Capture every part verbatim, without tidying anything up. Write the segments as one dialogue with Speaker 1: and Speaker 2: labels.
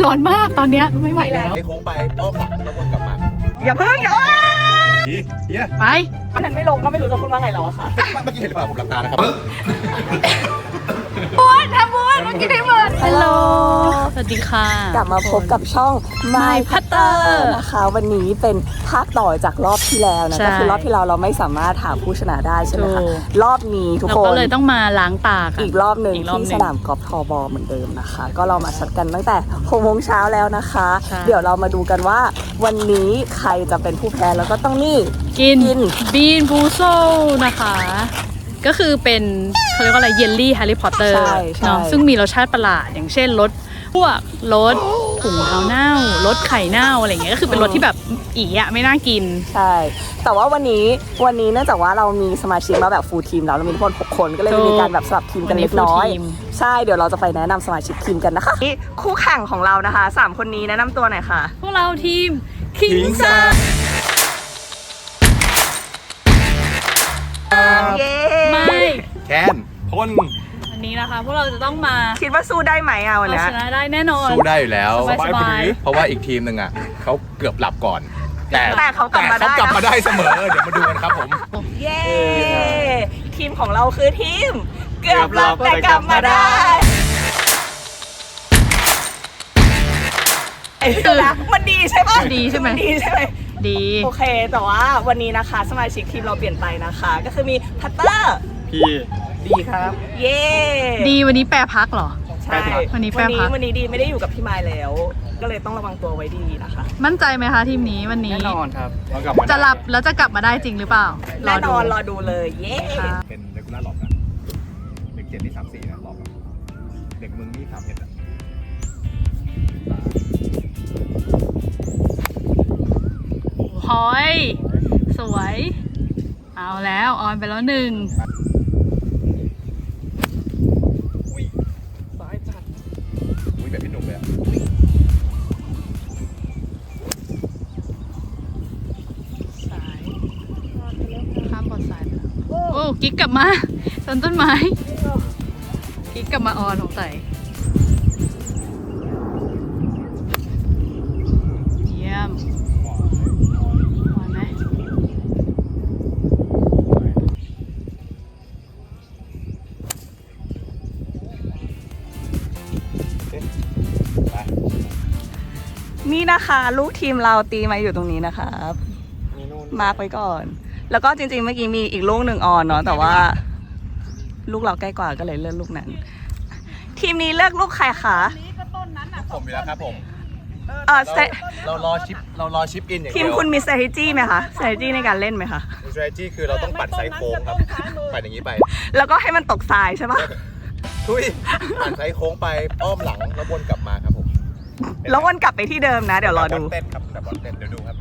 Speaker 1: ร้อนมากตอนเนี้ยไม่ไหวแล้ว
Speaker 2: ไอ้โค้งไปอ้อมหลังแล้ววนกลับมา
Speaker 3: อย่าเพิ่งอย่า
Speaker 2: เฮีย
Speaker 1: ไป
Speaker 3: วันนั้นไม่ลงก็ไม่รู้จะพูดว่าไงแล้วอะค่ะ
Speaker 2: เมื่อกี้เห็นหรือเปล่าผมหลับตานะครับ
Speaker 1: บุญทำบุญเมื่อกี้ได้หมดฮัลโหลสวัสดีค่ะ
Speaker 3: กลับมาพบกับช่อง My Putter นะคะวันนี้เป็นภาคต่อจากรอบที่แล้วนะก็คือรอบที่เราเราไม่สามารถหาผู้ชนะได้ใช่ไหมคะรอบนี้ทุก
Speaker 1: เรา
Speaker 3: คน
Speaker 1: ก็เลยต้องมาล้างตากัน
Speaker 3: อีกรอบหนึ่ง
Speaker 1: อีกรอบหนึ่
Speaker 3: ที่
Speaker 1: ง
Speaker 3: สนามกอล์ฟทอบอเหมือนเดิมนะคะ ก็เรามาชัดกันตั้งแต่หกโมงเช้าแล้วนะคะ
Speaker 1: ใช่
Speaker 3: เดี๋ยวเรามาดูกันว่าวันนี้ใครจะเป็นผู้แพ้แล้วก็ต้องนี่
Speaker 1: กิน
Speaker 3: กิน
Speaker 1: บีนบูโซนะคะ ก็คือเป็นเขาเรียกว่าอะไรเยลลี่แฮร์รี่พอตเตอร์
Speaker 3: ใช่ใช่
Speaker 1: เนาะซึ่งมีรสชาติประหลาดอย่างเช่นรสพวกรสถุงเท้าเน่ารสไข่เน่าอะไรอย่างเงี้ยก็คือเป็นรสที่แบบอีอะไม่น่ากิน
Speaker 3: ใช่ แต่ว่าวันนี้วันนี้เนื่องจากว่าเรามีสมาชิกมาแบบฟูลทีมแล้วเรามีทั้งหมดหกคนก็เลย
Speaker 1: ถูก
Speaker 3: มีการแบบสลับทีมกันเล็กน้อย
Speaker 1: วันนี้ full team
Speaker 3: ใช่เดี๋ยวเราจะไปแนะนำสมาชิกทีมกันนะคะนี่คู่แข่งของเรานะคะสามคนนี้แนะนำตัวหน่อยค่ะ
Speaker 1: พวกเราทีมคิง
Speaker 2: King
Speaker 1: ซ่า
Speaker 3: เย้
Speaker 1: ไม่
Speaker 2: แคนพ่น
Speaker 1: วันนี้นะคะพวกเราจะต้องมา
Speaker 3: คิดว่าสู้ได้ไหมอ่ะวัน
Speaker 1: เอา
Speaker 3: เนี้ย
Speaker 1: ชนะได้แน่นอน
Speaker 2: สู้ได้อยู่แล้ว
Speaker 1: สบายๆ
Speaker 2: เพราะว่าอีกทีมหนึ่งอ่ะเขาเกือบหลับก่อน แต่
Speaker 3: แต่เขากลับมา
Speaker 2: แต่
Speaker 3: ได้
Speaker 2: เขากลับมา
Speaker 3: นะ
Speaker 2: ได้เสมอเดี๋ยวมาดูกันครับผม
Speaker 3: เย้ทีมของเราคือทีม เกือบหลับแต่กลับมาได้ไอ้ตัวนะมันดีใช่ปะ
Speaker 1: ดีใช่ไหม
Speaker 3: นดีใช่ไหม
Speaker 1: ดี
Speaker 3: โอเค แต่ว่าวันนี้นะคะสมาชิกทีมเราเปลี่ยนไปนะคะ ก็คือมีพัตเตอร์
Speaker 2: พี่ดีครับ
Speaker 3: เย้
Speaker 1: ดีวันนี้แปรพักเหรอ
Speaker 3: ใช่
Speaker 1: วันนี้แป
Speaker 3: วั
Speaker 1: ร
Speaker 3: นนี้
Speaker 1: พัก
Speaker 3: วันนี้ดีไม่ได้อยู่กับพี่มายแล้ว ก็เลยต้องระวังตัวไว้ดีนะคะ
Speaker 1: มั่นใจไหมคะทีมนี้วันนี้
Speaker 2: แน่นอนครับเรากลับมา
Speaker 1: จะหลับแล้วจะกลับมาได้จริงหรือเปล่า
Speaker 3: แน่นอนร
Speaker 1: ร
Speaker 3: อ
Speaker 1: อดู
Speaker 3: ดูเลยเย้
Speaker 1: ค่ะ
Speaker 2: เป็นเด็กกุล่าหลอกนะเด็กเจ็ดนี่สามสี่นะหลอกอะเด็กมึงนี่สามเอ็ดอะ
Speaker 1: หอย สวย เอาแล้วออนไปแล้วหนึ่ง
Speaker 2: ซ้ายจัดอุ้ยแบบพี่หนุ่มเลยอะ
Speaker 1: สายข้ามบอดสายไปแล้วโอ้กิ๊กกลับมาต้นต้นไม้กิ๊กกลับมาออนสงสัยเยี่ยมออนไหม
Speaker 2: ไป
Speaker 3: นี่นะคะลูกทีมเราตีมาอยู่ตรงนี้นะครับ
Speaker 2: มีนู่น
Speaker 3: มาร์กไว้ก่อน แล้วก็จริงๆเมื่อกี้มีอีกลูกหนึ่งออนเนาะแต่ว่า ลูกเราใกล้กว่าก็เลยเลือกลูกนั้น ทีมนี้เลือกลูกใครคะ
Speaker 2: ผมอยู่แล้วครับผม
Speaker 3: เออ
Speaker 2: เราเรารอชิปเรารอชิปอินอย่าง
Speaker 3: ที
Speaker 2: เดี
Speaker 3: ม
Speaker 2: ยว
Speaker 3: คุณมี strategy ไหมคะ strategy ในการเล่นไหมคะ
Speaker 2: strategy คือเราต้องปั่นไซโค้งครับปั่นอย่างนี้ไป
Speaker 3: แล้วก็ให้มันตกทรายใช่ปะ
Speaker 2: ทุยปั่นไซโค้งไปอ้อมหลังแล้ววนกลับมาครับผม
Speaker 3: แล้ววนกลับไปที่เดิมนะ เดี๋ยวรอดู
Speaker 2: แบบบอลเต้นครับแบบบอลเต้นเดี๋ยวดูครับ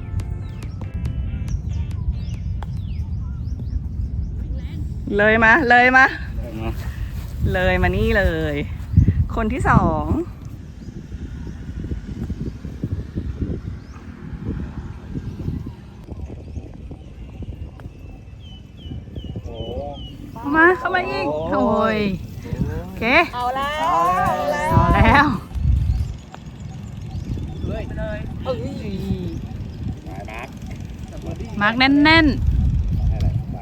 Speaker 3: เลยมา เลยมา เลยมานี่เลย คนที่สอง
Speaker 2: โอ้
Speaker 1: เข้ามาเข้ามาอีกโอ้ยโอเค
Speaker 3: เอาแล้ว
Speaker 1: เอาแล้ว
Speaker 2: เลยเลย
Speaker 3: เอ้ย
Speaker 2: มาร์ค
Speaker 1: มาร์กแน่น
Speaker 2: อะไรไป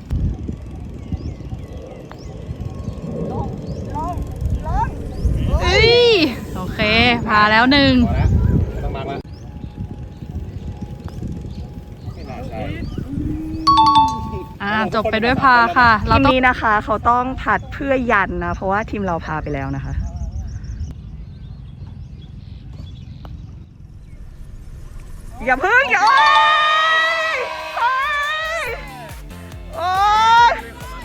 Speaker 3: ลงลงลง
Speaker 1: ๆเอ้ยโอเค พาแล้วหนึ่ง
Speaker 2: พอแล้วไม่ต้องมาร์คละไม่น่าใช่
Speaker 1: อ่าจบไปด้วยพาค่ะ เรา
Speaker 3: ทีม
Speaker 1: ต้อง
Speaker 3: นี้นะคะเขาต้องผัดเพื่อยันนะ เพราะว่าทีมเราพาไปแล้วนะคะ อย่าเพิ่งอย่าโอ๊ยโอ๊ย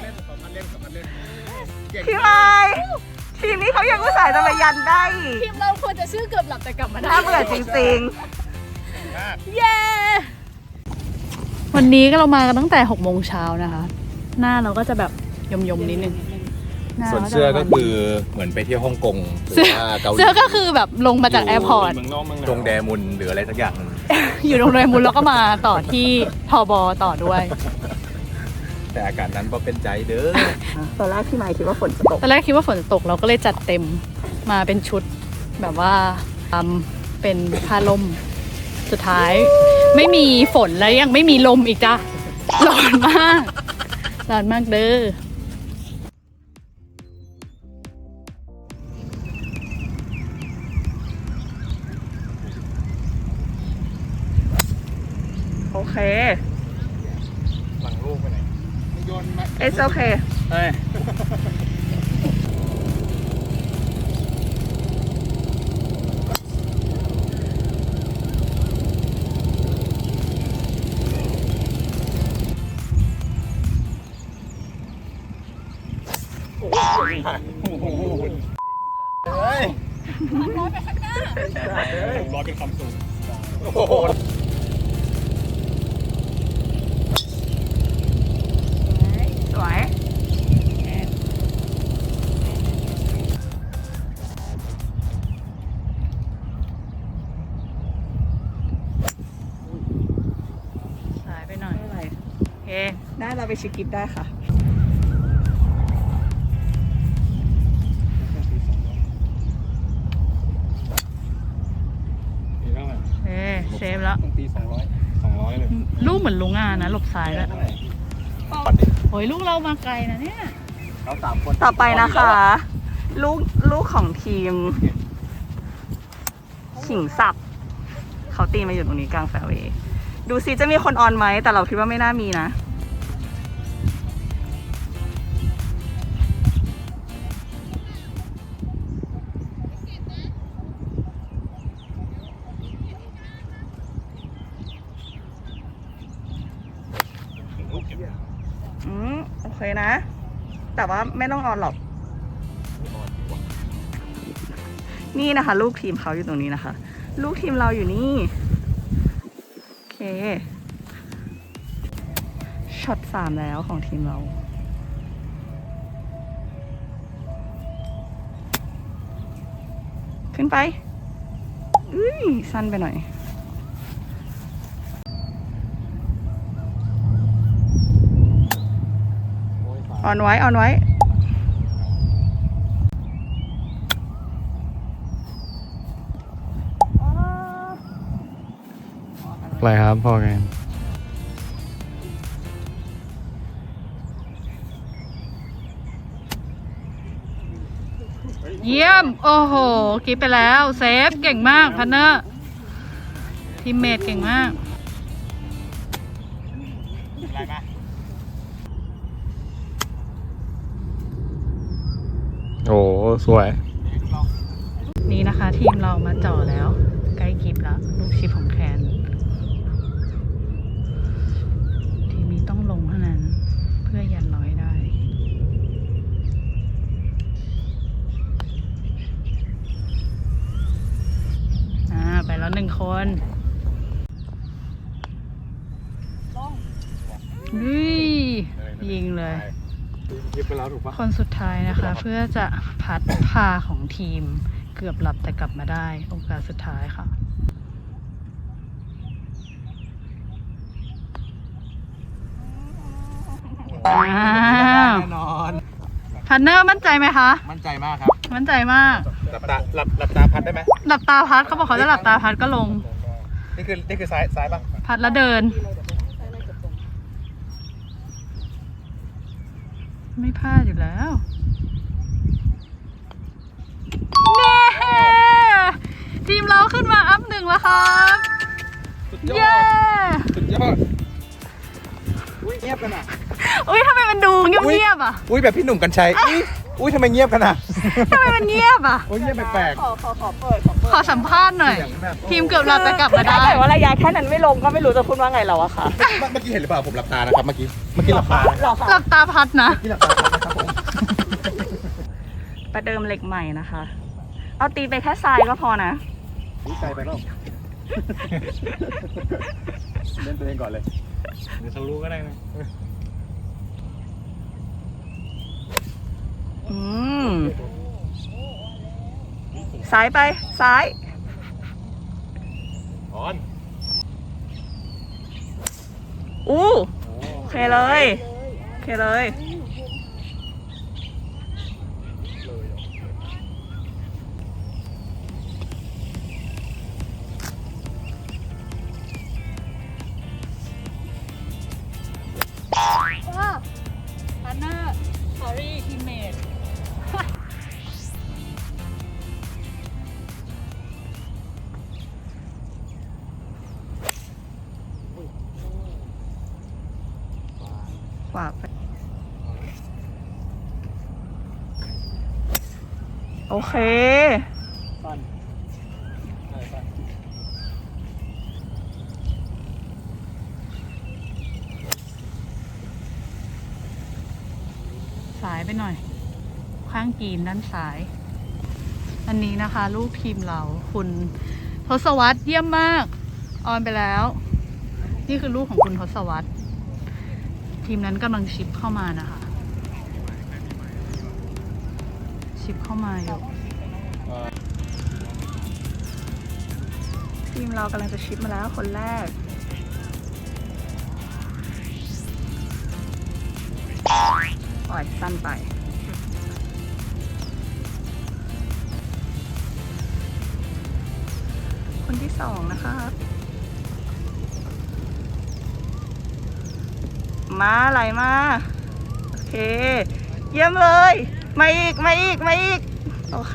Speaker 3: พี่ไม้ทีมนี้เขายังอุตส่าห์จะมายันได้อีก
Speaker 1: ทีมเราควรจะชื่อเกือบหลับแต่กลับมาได้
Speaker 3: น่าเบื่อจริง
Speaker 1: เย้ วันนี้ก็เรามากันตั้งแต่หกโมงเช้านะคะ หน้าเราก็จะแบบยมยมๆนิดนึงหา
Speaker 2: ส่วน
Speaker 1: ราจะ
Speaker 2: เสื้อก็คือเหมือนไปเที่ยวฮ่องกงหรือ
Speaker 1: เสื้อ
Speaker 2: ว่าเกาหลี
Speaker 1: เสื้อก็คือแบบลงมาจากแอร์พอร์ต
Speaker 2: ตรงแดมุนหรืออะไรสักอย่างหนึ่ง
Speaker 1: อยู่โรงแรมมูลแล้วก็มาต่อที่ทบต่อด้วย
Speaker 2: แต่อากาศนั้นก็เป็นใจเด้อ
Speaker 3: ๆตอนแรกพี่ไม้คิดว่าฝนจะตก
Speaker 1: ตอนแรกคิดว่าฝนจะตกเราก็เลยจัดเต็มมาเป็นชุดแบบว่าทำเป็นผ้าลมสุดท้ายไม่มีฝนแล้วยังไม่มีลมอีกจ้ะร้อนมากร้อนมากเด้อโอเค
Speaker 2: หลังลูกไปไหนโยนมา
Speaker 3: it's okay
Speaker 2: เฮ้ยเฮ้ยร้อยไปข้างหน้าร้อยเป็นคำสูงโอ้โห
Speaker 3: สวย
Speaker 1: สายไปหน่อย
Speaker 3: ไม่เป็นไร
Speaker 1: โอเค
Speaker 3: ได้เราไปชิคกิฟได้ค่ะ
Speaker 2: มีเท่าไหร่
Speaker 1: เอ้เซฟแล้ว
Speaker 2: ต้องตีสองร้อยสองร้อยเลย
Speaker 1: ลูกเหมือนลุงอานะหลบซ้ายแล้ว
Speaker 2: ปัดดิ
Speaker 1: โอ้ยลูกเรามาไกลนะเนี่ย
Speaker 2: เราสามคน
Speaker 3: ต่อไปนะคะ ลูกลูกของทีมขิงสับเขาตีมาอยู่ตรงนี้กลางแฟร์เวย์ดูซิจะมีคนออนไหมแต่เราคิดว่าไม่น่ามีนะ
Speaker 2: ลูกเก็บ
Speaker 3: อืมโอเคนะ แต่ว่าไม่ต้องออนหรอก นี่นะคะ ลูกทีมเขาอยู่ตรงนี้นะคะ ลูกทีมเราอยู่นี่ โอเคช็อตสามแล้วของทีมเรา ขึ้นไปอุ้ยสั้นไปหน่อย ออนไว้ ออนไว้
Speaker 2: อะไรครับพอไง
Speaker 1: เยี่ยม โอ้โหกิ๊บไปแล้วเซฟเก่งมากพันเนอร์ทีมเมทเก่งมาก
Speaker 2: อะไรมาโอ้สวย
Speaker 1: นี่นะคะทีมเรามาจ่อแล้ว ใกล้กิ๊บแล้ว ลูกชิปของแคนทีมนี้ต้องลงเท่านั้น เพื่อยันร้อยได้ อ่า ไปแล้วหนึ่งคนอุ้ยยิงเลย
Speaker 2: ยิบไปแล้วถูกปะ
Speaker 1: คนสุดท้ายนะคะ เพื่อจะพัดพาของทีมเกือบหลับแต่กลับมาได้โอกาสสุดท้ายค่ะอ้าว
Speaker 2: แน่นอน
Speaker 1: พันเนอร์มั่นใจไหมคะ
Speaker 2: มั่นใจมากครับ
Speaker 1: มั่นใจมาก
Speaker 2: หลับตาหลับหลับตาพัดได้ไหม
Speaker 1: หลับตาพัดเขาบอกเขาจะหลับตาพัดก็ลง
Speaker 2: นี่คือนี่คือซ้ายซ้ายป่ะ
Speaker 1: พัดแล้วเดิน ไม่พลาดอยู่แล้วเน่ทีมเราขึ้นมาอัพหนึ่งแล้วครับ
Speaker 2: สุดย
Speaker 1: เย้
Speaker 2: อดสุดยอดอุ้ยเงียบกันอ่ะ
Speaker 1: อุ้ยทำไมมันดูเงียบๆอ่ะ
Speaker 2: อุ้ยแบบพี่หนุ่มกัญชัยอุ้ยอุ้ยทำไมเงียบกันอ่ะ
Speaker 1: ทำไมมันเงียบอ่ะ
Speaker 2: โอ้ยเงียบแปลก
Speaker 3: ขอขอขอเปิดขอเปิด
Speaker 1: ขอสัมภาษณ์หน่อย ทีมเกือบหลับแต่กลับมา
Speaker 3: ถ้า
Speaker 1: ได้
Speaker 3: เกิดว่าระยะแค่นั้นไม่ลงก็ไม่รู้จะพูดว่าไงแล้วอะค่ะ
Speaker 2: ๆเมื่อกี้เห็นหรือเปล่าผมหลับตานะครับเมื่อกี้เมื่อกี้หลับตา
Speaker 3: หรอ
Speaker 1: หลั
Speaker 3: คะ
Speaker 1: บตาพัดนะ
Speaker 2: เมื่อกี้หลับตานะครับผม
Speaker 3: ประเดิมเหล็กใหม่นะคะ เอาตีไปแค่ทรายก็พอนะ
Speaker 2: อุ้ยใจไปแล้วเล่นตัวเองก่อนเลยเดี๋ยวทะลุก็ได้นะ
Speaker 3: อืมซ้ายไปซ้าย
Speaker 2: ออน
Speaker 3: อู้โอเคเลยโอเคเลยขวาไปโอเค
Speaker 2: สั้นใช่สั้น
Speaker 1: สายไปหน่อย ข้างกรีนด้านซ้าย อันนี้นะคะลูกทีมเราคุณทศวรรษเยี่ยมมาก ออนไปแล้ว นี่คือลูกของคุณทศวรรษทีมนั้นกำลังชิปเข้ามานะคะ ชิปเข้ามาอยู่ทีมเรากำลังจะชิปมาแล้วคนแรก ปล่อยสั้นไป คนที่สองนะคะมาไหลมา โอเค เยี่ยมเลย มาอีก มาอีก มาอีก โอเค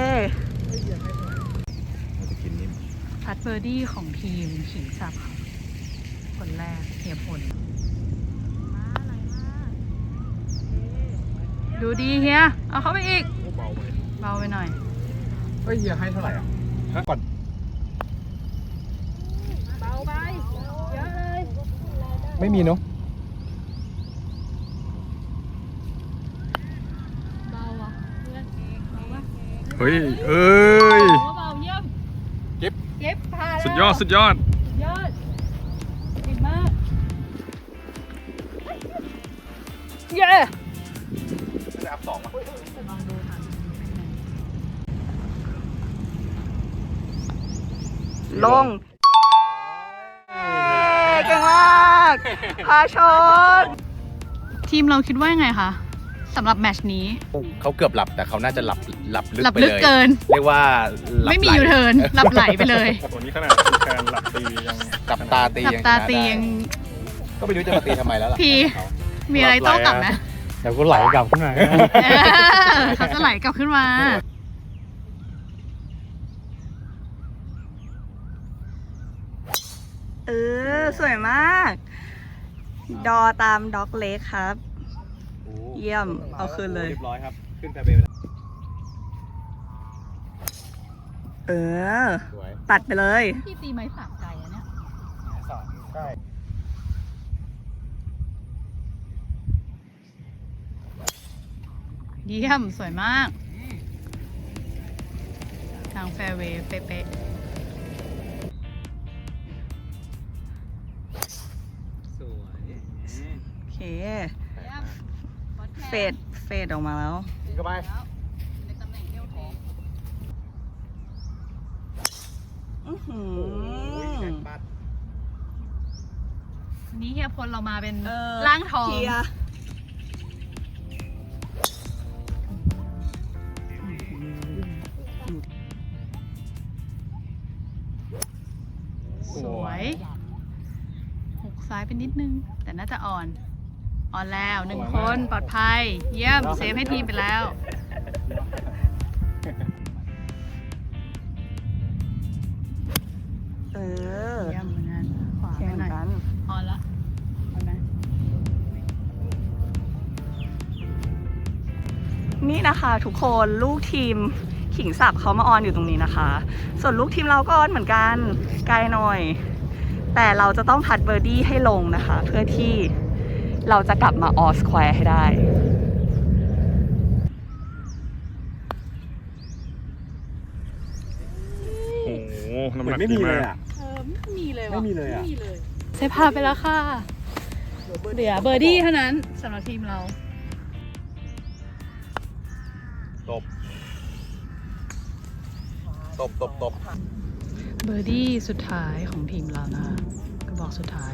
Speaker 1: พัดเบอร์ดี้ของทีมขิงสับค่ะคนแรกเฮียพลมาไหลมา ดูดีเฮีย เอาเข้าไปอีก
Speaker 2: เบาไป
Speaker 1: เบาไปหน่อย
Speaker 2: เฮ้ยเฮียให้เท่าไหร่อ่ะฮะก่อน
Speaker 1: เบาไป เยอะเลย
Speaker 2: ไม่มีเนาะ
Speaker 1: เบาอ่ะเพื่อนเบาวะ
Speaker 2: เฮ้ยเอ้ย
Speaker 1: เบาเยี่ยม
Speaker 2: เก็บ
Speaker 1: เก็บผ่านแล้ว
Speaker 2: สุดยอดสุดยอด
Speaker 1: สุดยอดเก่งมาก เย้
Speaker 2: จะอัพสองอ่ะ
Speaker 1: ลองดูค่ะ
Speaker 3: ลง เก่งมากพาชน
Speaker 1: ทีมเราคิดว่ายังไงคะสำหรับแมตช์นี้
Speaker 4: เขาเกือบหลับแต่เขาน่าจะหลับหลับลึก
Speaker 1: หลับ
Speaker 4: ไป
Speaker 1: ลึก
Speaker 4: เลย
Speaker 1: เกิน
Speaker 4: เรียกว่าหลับ
Speaker 1: ไม่มี
Speaker 4: หล
Speaker 1: ยูเทิร์นหลับไหลไปเลย
Speaker 2: ตัวนี้ขนาดแคนหลับตียัง
Speaker 4: กับตาตี
Speaker 1: หลับ
Speaker 4: ยัง
Speaker 1: ตา
Speaker 4: ชนะ
Speaker 1: ตี
Speaker 4: ได้
Speaker 1: ยัง
Speaker 4: ก็ไม่รู้จะมาตีทำไมแล้วล่ะ
Speaker 1: พี มีอะไรโต้กลับไหม
Speaker 2: เดี๋ยวก็ไหลกลับขึ้นมา
Speaker 1: เออเขาจะไหลกลับขึ้นมา
Speaker 3: เออ สวยมาก ดอตามด็อกเล็กครับ เยี่ยม เอาคืนเลย
Speaker 2: เรียบร้อยครับ ขึ้นแพรเบย์ไปแล้ว
Speaker 3: เออ
Speaker 4: สวย
Speaker 3: ตัดไปเลย
Speaker 1: พี่ตีไม้สามไกลอะเนี่ย
Speaker 2: สามใช่
Speaker 1: เยี่ยม สวยมาก ทางแฟร์เวย์เป๊ะ
Speaker 4: สวย
Speaker 3: โอเค
Speaker 1: ๆ
Speaker 3: เฟด เฟดออกมาแล้ว
Speaker 4: ยิงเข้าไป
Speaker 1: ในตำแหน่งเดียวทอง
Speaker 3: อื้อหือ
Speaker 1: วันนี้เฮียพลเรามาเป็น
Speaker 3: เออ
Speaker 1: ร่างทอง
Speaker 3: เคลียร์
Speaker 1: สวยหกซ้ายไปนิดนึง แต่น่าจะอ่อน อ่อนแล้วหนึ่งคนปลอดภัย เยี่ยม เซฟให้ทีมไปแล้ว
Speaker 3: เออ
Speaker 1: เยี่ยมเหมือนกันขวา
Speaker 3: เช่
Speaker 1: ไป
Speaker 3: น
Speaker 1: หน่อย
Speaker 3: กัน
Speaker 1: อ่อนละอ่อนไหม
Speaker 3: นี่นะคะทุกคนลูกทีมขิงสับเขามาออนอยู่ตรงนี้นะคะ ส่วนลูกทีมเราก็ออนเหมือนกันไกลหน่อย แต่เราจะต้องพัดเบอร์ดี้ให้ลงนะคะ เพื่อที่เราจะกลับมาออสแควร์ให้ได้
Speaker 2: โอ้โหน้ำหนักดีมาก
Speaker 1: เออไม่มีเลย
Speaker 2: ไม่มีเลยอะ
Speaker 1: ไม่มีเลยเซฟพาไปแล้วค่ะเหลือเบอร์ดี้เท่านั้นสำหรับทีมเรา
Speaker 4: ตบ ตบตบตบ
Speaker 1: เบอร์ดี้สุดท้ายของทีมเรานะคะกระบอกสุดท้าย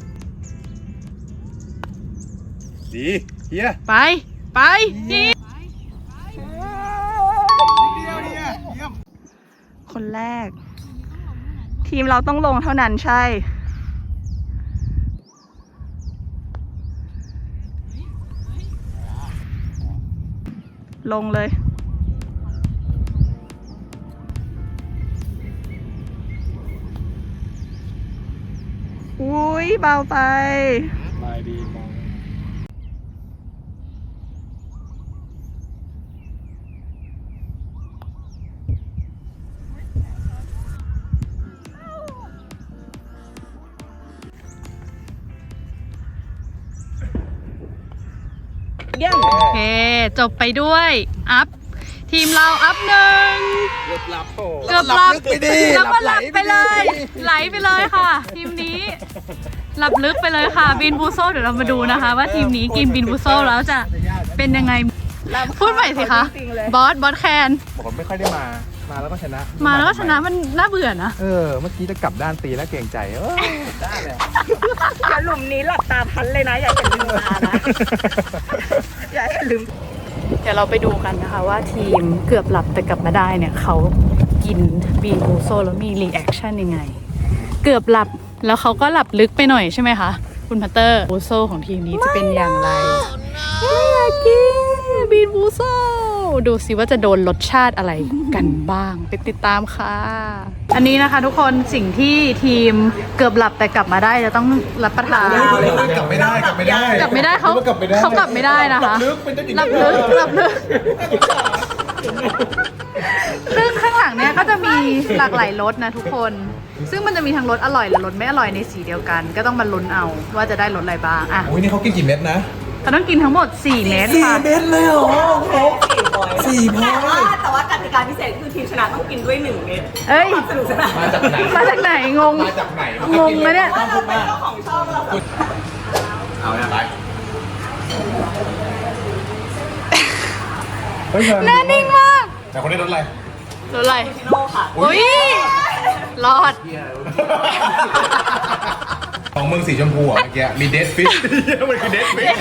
Speaker 2: ดีเฮีย
Speaker 1: ไป ไปดี
Speaker 3: คนแรก ทีมเราต้องลงเท่านั้นใช่ ลงเลย อุ้ยเบาไป
Speaker 2: ลายดีมอง
Speaker 3: เยี่ยม
Speaker 1: โอเค จบไปด้วย อัพ ทีมเราอัพหนึ่ง
Speaker 4: เกือบหลับโอ้
Speaker 1: เกือบหลับ
Speaker 4: ไปดิ
Speaker 1: แล้วก็หลับไปเลย ไหลไปเลยค่ะ ทีมนี้ หลับลึกไปเลยค่ะ บินบูโซเดี๋ยวเรามาดูนะคะ ว่าทีมนี้กินบินบูโซแล้วจะเป็นยังไง พูดใหม่สิคะ
Speaker 3: จริงๆเลย
Speaker 1: บอส บอสแคน
Speaker 4: ผมไม่ค่อยได้มา มาแล้วก็ชนะ
Speaker 1: มาแล้วก็ชนะมันน่าเบื่อนะ
Speaker 4: เออ เมื่อกี้จะกลับด้านตีแล้วเกรงใจ เออได้เลย
Speaker 3: อย่าหลุมนี้หลับตาพันเลยนะ อย่าเห็นลืมตานะ อย่าเห็นลืม
Speaker 1: เดี๋ยวเราไปดูกันนะคะว่าทีมเกือบหลับแต่กลับมาได้เนี่ยเขากินบีนบูโซแล้วมีรีแอคชั่นยังไง เกือบหลับแล้วเขาก็หลับลึกไปหน่อยใช่ไหมคะคุณพัตเตอร์บูโซของทีมนี้จะเป็นอย่างไรไม่อยากกินบีนบูโซดูสิว่าจะโดนรสชาติอะไรกันบ้างไปติดตามค่ะ อันนี้นะคะทุกคนสิ่งที่ทีมเกือบหลับแต่กลับมาได้จะต้องรับประทาน
Speaker 4: กลับไม่ได้ กลับไม่ได้
Speaker 1: กลับไม่ได้เขา
Speaker 4: กลับไม่ได้
Speaker 1: เขากลับไม่ได้นะคะ
Speaker 4: ลึกเป็นเจ้าหญิง
Speaker 1: หลับลึกหลับลึกซึ่งข้างหลังเนี่ยก็จะมีหลากหลายรสนะทุกคน ซึ่งมันจะมีทั้งรสอร่อยและรสไม่อร่อยในสีเดียวกัน ก็ต้องมาลุ้นเอาว่าจะได้รสอะไรบ้างอ่ะ
Speaker 4: โอ้ยนี่เขากินกี่เม็ดนะ
Speaker 1: เขาต้องกินทั้งหมดสี่เม็ดค่ะ
Speaker 4: เม็ดเลยเหรอสี่พอ
Speaker 3: แต่ว่าแต่ว่ากติกาพิเศษคือทีมชนะต้องกินด้วยหนึ่งเม็ด
Speaker 1: เอ้ย
Speaker 3: สนุกสนาน
Speaker 4: มาจากไหน
Speaker 1: มาจากไหนงง
Speaker 4: มาจากไหน
Speaker 1: งงนะเนี่ย
Speaker 3: ว่าเราเป็นเจ้าของช่องเราแบบ
Speaker 4: เอาเนี่ยไปเฮ้ย
Speaker 1: หน้านิ่งมาก
Speaker 4: แต่คนนี้รถอะไร
Speaker 1: รสอะไร
Speaker 3: โลค่ะ
Speaker 1: อุ้ยรอด
Speaker 4: ของมึงสีชมพูอ่ะเมื่อกี้มีเดสฟิชมันคือเดสฟิช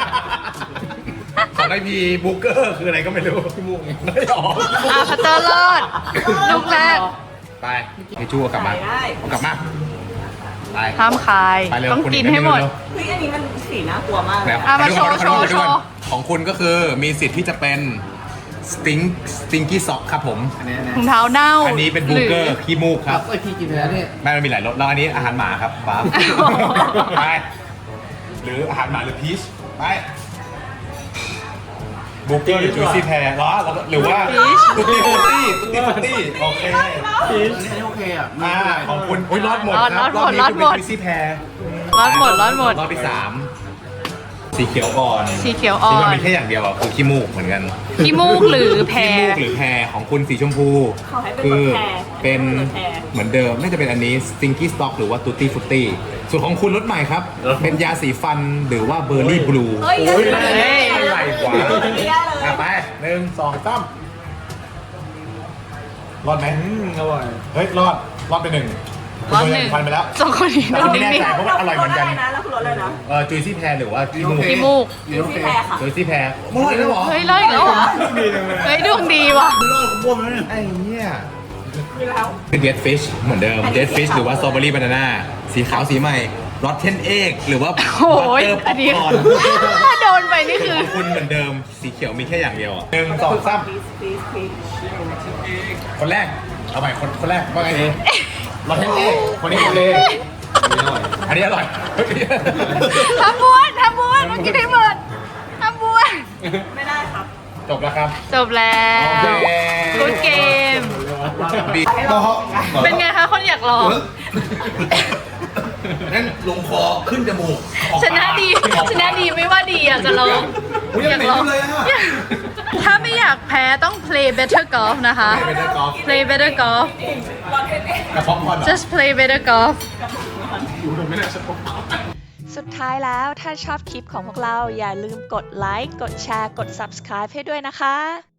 Speaker 4: ของไอพีบูเกอร์คืออะไรก็ไม่รู้พี่ม่วงไม่ออก
Speaker 1: อ่ะพัตเตอร์รอดลูกแรก
Speaker 4: ไปไอจูเอากลับมาเอากลับมาไป
Speaker 1: ห้ามคาย
Speaker 4: ไปเร็ว
Speaker 1: ต้อง
Speaker 4: คุณ
Speaker 1: กินให้หมด
Speaker 3: เฮ้ยอันนี้มันสีน่ากลัวมากเลย
Speaker 4: แล้ว
Speaker 1: อ่ะมาโชว์
Speaker 4: ขอดู
Speaker 1: โชว์
Speaker 4: ขอดูขอดู
Speaker 1: โชว์
Speaker 4: ของคุณก็คือมีสิทธิ์ที่จะเป็นสติงสติงกี้ซ็อกครับผม
Speaker 1: ถุงเท้าเน่า
Speaker 4: อันนี้เป็นบูเกอร์ขี้มูกครับ
Speaker 2: ไอพี่กินไปแล้วเนี่ย
Speaker 4: แม่มันมีหลายรสแล้วอันนี้อาหารหมาครับบ้า
Speaker 1: โอ้โห
Speaker 4: ไปหรืออาหารหมาหรือพีชไปบูเกอร์หรือจูซี่แพร์หรอแล้วก็หรือว่าตุ๊ตี้ฟุตตี้ตุ๊ตี้ฟุตตี้โอเค
Speaker 2: พีชอันนี้โอเคอ่ะ
Speaker 4: อ่าของคุณโอ้ยรอดหมดครับ
Speaker 1: รอดหมด
Speaker 4: นี้
Speaker 1: รอดหมด
Speaker 4: คุณเป็นจูซี่แพร์
Speaker 1: รอดหมดรอดหมด
Speaker 4: รอบที่สามสีเขียวอ่อน
Speaker 1: สีเขียวอ่อน
Speaker 4: ที่มันมีแค่อย่างเดียวอ่ะคือขี้มูกเหมือนกัน
Speaker 1: ขี้มูกหรือแพร
Speaker 4: ขี้มูกหรือแพรของคุณสีชมพู
Speaker 3: ขอให้เป็น
Speaker 4: คื
Speaker 3: ร
Speaker 4: อ
Speaker 3: สแพร
Speaker 4: เป็น
Speaker 3: รสแพร
Speaker 4: เหมือนเดิมน่าจะเป็นอันนี้ Stinky Stock หรือว่า Tutti Frutti ส่วนของคุณรสใหม่ครับ เป็นยาสีฟันหรือว่า Berry Blue
Speaker 3: เฮ้ย
Speaker 4: โอ้ย
Speaker 3: เฮ้ย
Speaker 4: อะไรกว่า
Speaker 3: เฮ้ย
Speaker 4: อ่ะไปหนึ่งสองสามรอดไหม
Speaker 2: อร่อย
Speaker 4: เฮ้ย รอด รอดไปหนึ่ง
Speaker 1: รอดหนึ่ง
Speaker 4: ฟันไปแล้ว
Speaker 1: สองคนนี้
Speaker 4: แต่
Speaker 1: โด
Speaker 4: ผม
Speaker 1: น
Speaker 4: ไม่แน่
Speaker 1: นิ่ง
Speaker 4: ใจเพราะว่าอร่อยเหมือนกัน
Speaker 3: รสอะไรนะแล้วคือรสอะไรนะ
Speaker 4: เออจุยซี่แพรหรือว่าขี้มูก
Speaker 1: ๆขี้มูก
Speaker 2: เดี๋ยวโอเค
Speaker 3: สีแพรค่ะ
Speaker 4: จุยซี่แพรอร่อยแล้วเหรอ
Speaker 1: เฮ้ยรอดอีกแล้วเหรอ เฮ้ยดวงดีว่ะ
Speaker 2: ไม่รอดของพวกมันเนี่ย
Speaker 4: ไอ้เนี่ย
Speaker 3: มีแล้ว
Speaker 4: คือ Dead Fish เหมือนเดิม Dead Fish หรือว่า Strawberry Banana สีขาวสีใหม่ Rotten Egg หรือว่า
Speaker 1: โอ้ย
Speaker 4: Butter
Speaker 1: อันนี้
Speaker 4: Popcorn
Speaker 1: ถ้าโดนไปนี่คือ
Speaker 4: ของคุณเหมือนเดิม สีเขียวมีแค่อย่างเดียวอ่ะหนึ่งสองสาม
Speaker 3: พีชพีชพีช
Speaker 4: คนแรก เอาใหม่คนคนแรกว่าไงดีรอเทนเอกคนนี้คนเลยอันนี้อร่อย
Speaker 1: ทำบ้วนทำบ้วนเมื่อกี้ได้หมดทำบ้วน
Speaker 3: ไม่ได้ครับ
Speaker 4: จบแล้วครับ
Speaker 1: จบแล้ว
Speaker 4: โอเค
Speaker 1: กูดเกม
Speaker 4: บี
Speaker 1: เป็นไงคะคนอยากลอง
Speaker 4: นั่นลงคอขึ้นจมูกออก
Speaker 1: ช
Speaker 4: ปาก
Speaker 1: นะดี
Speaker 4: ออก
Speaker 1: ชนะดีไม่ว่าดีอยากจะลอง
Speaker 4: อุ๊ยยังเหม็นอยู่เลยอะ
Speaker 1: ถ้าไม่อยากแพ้ต้อง play better golf นะคะ
Speaker 4: ไม่ได้กอล์ฟ
Speaker 1: play better golf
Speaker 4: กระเพาะพอนเหรอ
Speaker 1: just play better golf
Speaker 3: สุดท้ายแล้วถ้าชอบคลิปของพวกเราอย่าลืมกดไลค์ กดแชร์ กด ซับสไครบ์ ให้ด้วยนะคะ